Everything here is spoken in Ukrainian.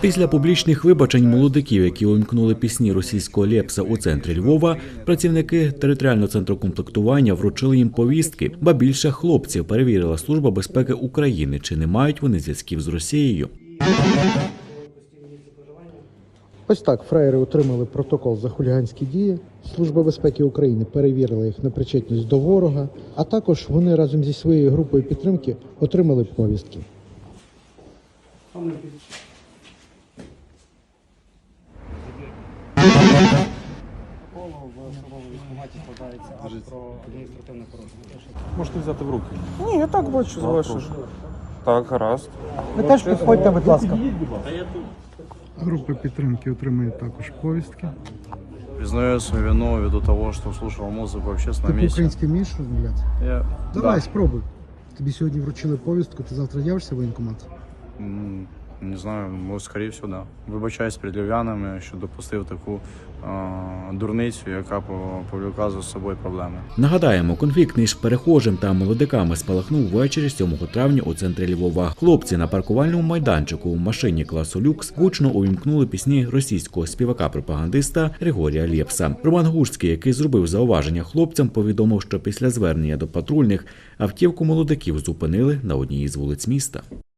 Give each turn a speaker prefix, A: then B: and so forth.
A: Після публічних вибачень молодиків, які увімкнули пісні російського Лепса у центрі Львова, працівники територіального центру комплектування вручили їм повістки, ба більше хлопців перевірила Служба безпеки України, чи не мають вони зв'язків з Росією.
B: Ось так фраєри отримали протокол за хуліганські дії. Служба безпеки України перевірила їх на причетність до ворога, а також вони разом зі своєю групою підтримки отримали повістки.
C: Можете взяти в руки.
D: Ні, я так бачу з вашого.
C: Так, гаразд.
D: Ви теж підходьте, будь ласка.
B: Група підтримки отримує також повістки.
E: Признаю свою вину ввиду того, что слушал музыку в
B: Ти
E: общественном месте.
B: по-українськи вмієш розмовляти? Давай,
E: Да.
B: спробуй. Тобі сьогодні вручили повістку, ти завтра явишся в воєнкомат?
E: Не знаю, може, скоріше всього, да. Вибачаюсь перед львів'янами, що допустив таку дурницю, яка повлекла за собою проблеми.
A: Нагадаємо, конфлікт між перехожим та молодиками спалахнув ввечері 7 травня у центрі Львова. Хлопці на паркувальному майданчику в машині класу люкс гучно увімкнули пісні російського співака-пропагандиста Григорія Лепса. Роман Гурський, який зробив зауваження хлопцям, повідомив, що після звернення до патрульних автівку молодиків зупинили на одній із вулиць міста.